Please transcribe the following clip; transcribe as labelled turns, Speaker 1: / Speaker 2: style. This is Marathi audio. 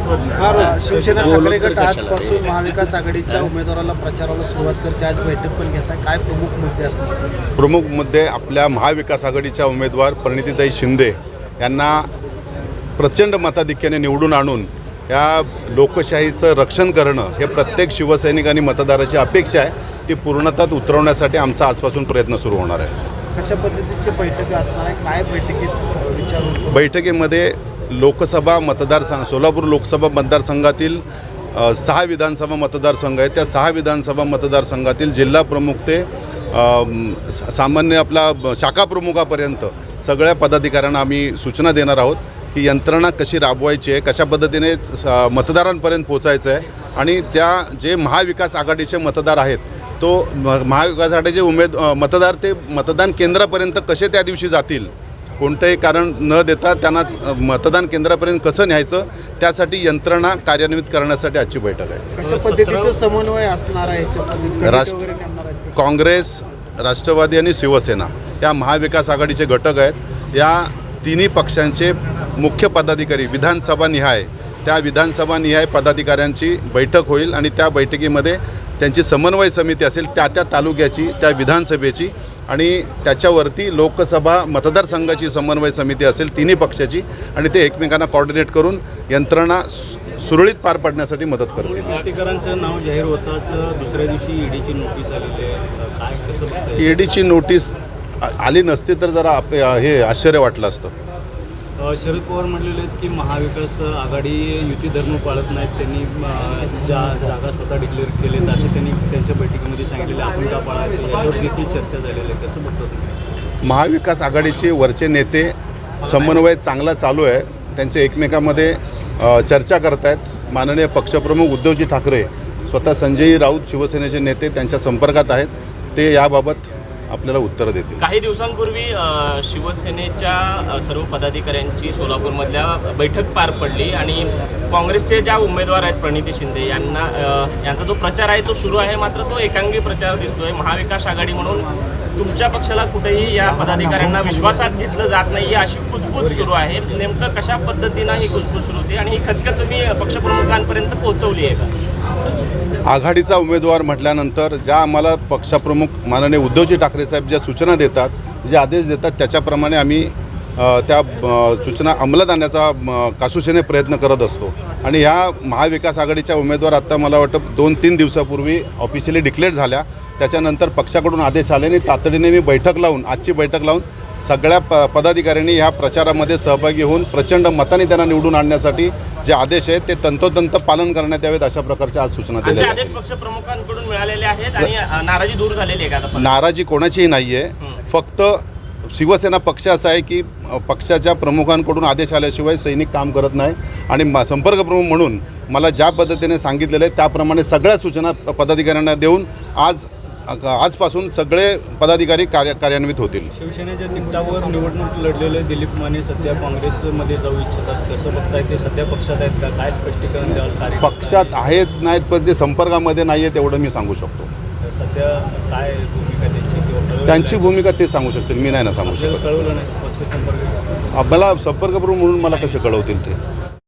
Speaker 1: तत्त्वज्ञ
Speaker 2: शिवसेना ठाकरे गट आजपासून महाविकास आघाडीच्या उमेदवाराला प्रचाराला सुरुवात करते. आज बैठक पण घेत आहे. काय प्रमुख मुद्दे असतात?
Speaker 1: प्रमुख मुद्दे आपल्या महाविकास आघाडीच्या उमेदवार परिणितीताई शिंदे यांना प्रचंड मताधिक्याने निवडून आणून या लोकशाहीचं रक्षण करणं हे प्रत्येक शिवसैनिक आणि मतदाराची अपेक्षा आहे. ती पूर्णतः उतरवण्यासाठी आमचा आजपासून प्रयत्न सुरू होणार आहे.
Speaker 2: कशा पद्धतीची बैठक असणार आहे? काय बैठकीत विचार?
Speaker 1: बैठकीमध्ये लोकसभा मतदारसंघ सोलापूर लोकसभा मतदारसंघातील 6 विधानसभा मतदारसंघ आहेत. त्या 6 विधानसभा मतदारसंघातील जिल्हा प्रमुख ते सामान्य आपला शाखा प्रमुखापर्यंत सगळ्या पदाधिकाऱ्यांना आम्ही सूचना देणार आहोत की यंत्रणा कशी राबवायची आहे, कशा पद्धतीने मतदारांपर्यंत पोचायचं आहे आणि त्या जे महाविकास आघाडीचे मतदार आहेत तो महाविकास आघाडीचे मतदार ते मतदान केंद्रापर्यंत कसे त्या दिवशी जातील, कोणतंही कारण न देता त्यांना मतदान केंद्रापर्यंत कसं न्यायचं त्यासाठी यंत्रणा कार्यान्वित करण्यासाठी आजची बैठक आहे.
Speaker 2: कशा पद्धतीचं समन्वय असणार आहे?
Speaker 1: काँग्रेस, राष्ट्रवादी आणि शिवसेना या महाविकास आघाडीचे घटक आहेत. या तिन्ही पक्षांचे मुख्य पदाधिकारी विधानसभानिहाय त्या विधानसभानिहाय पदाधिकाऱ्यांची बैठक होईल आणि त्या बैठकीमध्ये त्यांची समन्वय समिती असेल त्या तालुक्याची, त्या विधानसभेची आणि त्याच्यावरती लोकसभा मतदारसंघाची समन्वय समिती असेल तिन्ही पक्षाची आणि ते एकमेकांना कोऑर्डिनेट करून यंत्रणा सुरळीत पार पाडण्यासाठी मदत करतील.
Speaker 3: प्राधिकरांचं नाव जाहीर होताच दुसऱ्या दिवशी ईडीची नोटीस आलेली आहे. काय कसं
Speaker 1: ईडीची नोटीस आली नसती तर जरा हे आश्चर्य वाटलं असतं.
Speaker 3: शरद पवार म्हणलेले आहेत की महाविकास आघाडी युती धर्म पाळत नाहीत. त्यांनी ज्या जागा स्वतः डिक्लेअर केलेत असं त्यांनी त्यांच्या बैठकीमध्ये सांगितलेलं. आपण का पाळायचं याच्यावर देखील चर्चा झालेली आहे. कसं बघतो तुम्ही?
Speaker 1: महाविकास आघाडीचे वरचे नेते समन्वय चांगला चालू आहे. त्यांचे एकमेकांमध्ये चर्चा करत आहेत. माननीय पक्षप्रमुख उद्धवजी ठाकरे स्वतः संजय राऊत शिवसेनेचे नेते त्यांच्या संपर्कात आहेत. ते याबाबत आपल्याला उत्तरं देतील.
Speaker 4: काही दिवसांपूर्वी शिवसेनेच्या सर्व पदाधिकाऱ्यांची सोलापूरमधल्या बैठक पार पडली आणि काँग्रेसचे ज्या उमेदवार आहेत प्रणिती शिंदे यांचा जो प्रचार आहे तो सुरू आहे. मात्र तो एकांगी प्रचार दिसतोय. महाविकास आघाडी म्हणून तुमच्या पक्षाला कुठेही या पदाधिकाऱ्यांना विश्वासात घेतलं जात नाही अशी कुजबूज सुरू आहे. नेमकं कशा पद्धतीनं ही कुजबूज सुरू होती आणि ही खतखत तुम्ही पक्षप्रमुखांपर्यंत पोहोचवली आहे का?
Speaker 1: आघाडीचा उमेदवार म्हटल्यानंतर ज्या आम्हाला पक्षप्रमुख माननीय उद्धवजी ठाकरे साहेब ज्या सूचना देतात, जे आदेश देतात त्याच्याप्रमाणे आम्ही त्या सूचना अंमलात आणण्याचा कासूशेने प्रयत्न करत असतो. आणि ह्या महाविकास आघाडीच्या उमेदवार आत्ता मला वाटतं 2-3 दिवसापूर्वी ऑफिशियली डिक्लेअर झाल्या. त्याच्यानंतर पक्षाकडून आदेश आले आणि तातडीने मी आजची बैठक लावून सगळ्या पदाधिकाऱ्यांनी ह्या प्रचारामध्ये सहभागी होऊन प्रचंड मताने त्यांना निवडून आणण्यासाठी जे आदेश आहेत ते तंतोतंत पालन करण्यात यावेत अशा प्रकारच्या आज सूचना दिल्या
Speaker 4: आहेत. पक्षप्रमुखांकडून मिळालेले आहेत आणि नाराजी दूर झालेली आहे का?
Speaker 1: नाराजी कोणाचीही नाही आहे. फक्त शिवसेना पक्ष असा आहे की पक्षाच्या प्रमुखांकडून आदेश आल्याशिवाय सैनिक काम करत नाही आणि संपर्क प्रमुख म्हणून मला ज्या पद्धतीने सांगितलेलं आहे त्याप्रमाणे सगळ्या सूचना पदाधिकाऱ्यांना देऊन आजपासून सगळे पदाधिकारी कार्यान्वित होतील.
Speaker 3: शिवसेनेच्या तिकिटावर निवडणूक लढलेले दिलीप माने सध्या काँग्रेसमध्ये जाऊ इच्छितात. कसं बघताय? ते सध्या पक्षात आहेत का? काय स्पष्टीकरण द्याल?
Speaker 1: पक्षात आहेत नाहीत पण ते संपर्कामध्ये नाही आहेत एवढं मी सांगू शकतो.
Speaker 3: सध्या काय भूमिका
Speaker 1: त्यांची भूमिका ते सांगू शकतील, मी नाही ना सांगू शकत.
Speaker 3: कळवलं नाही पक्ष संपर्क
Speaker 1: मला संपर्क प्रमुख म्हणून मला कसे कळवतील ते?